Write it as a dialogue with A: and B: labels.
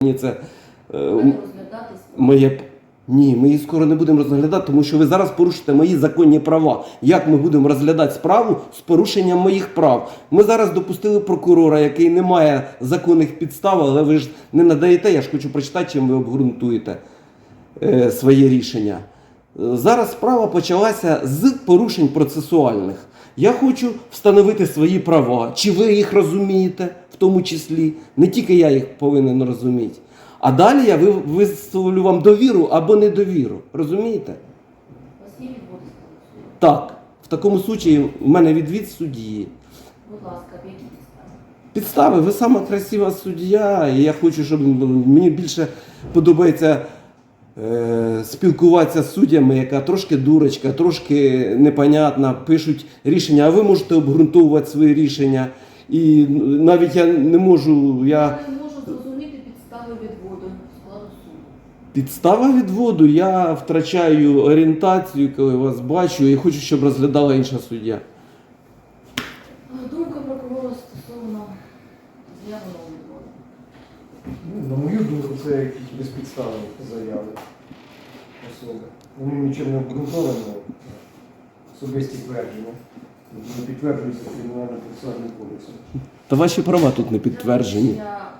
A: Це
B: розглядати
A: моє... Ні, ми її скоро не будемо розглядати, тому що ви зараз порушите мої законні права. Як ми будемо розглядати справу з порушенням моїх прав? Ми зараз допустили прокурора, який не має законних підстав, але ви ж не надаєте, я ж хочу прочитати, чим ви обґрунтуєте своє рішення. Зараз справа почалася з порушень процесуальних. Я хочу встановити свої права. Чи ви їх розумієте, в тому числі? Не тільки я їх повинен розуміти. А далі я висловлю вам довіру або недовіру. Розумієте?
B: У вас є відводи з суду?
A: Так. В такому случаї в мене відвід судді.
B: Будь ласка, в які підстави?
A: Підстави, ви сама красива суддя, і я хочу, щоб мені більше подобається спілкуватися з суддями, яка трошки дурочка, трошки непонятна, пишуть рішення, а ви можете обґрунтовувати свої рішення. І навіть я не можу,
B: Я не можу зрозуміти підстави відводу складу суду.
A: Підстава відводу, я втрачаю орієнтацію, коли вас бачу, і хочу, щоб розглядала інша суддя.
B: Думка прокурора стосовно з'явленого відводу.
C: На мою думку, це якісь безпідставні заяви особи. Вони нічим не обґрунтовані, особисті твердження. Не підтверджуються Кримінально-процесуальним кодексом.
A: Та ваші права тут не підтверджені.
B: Я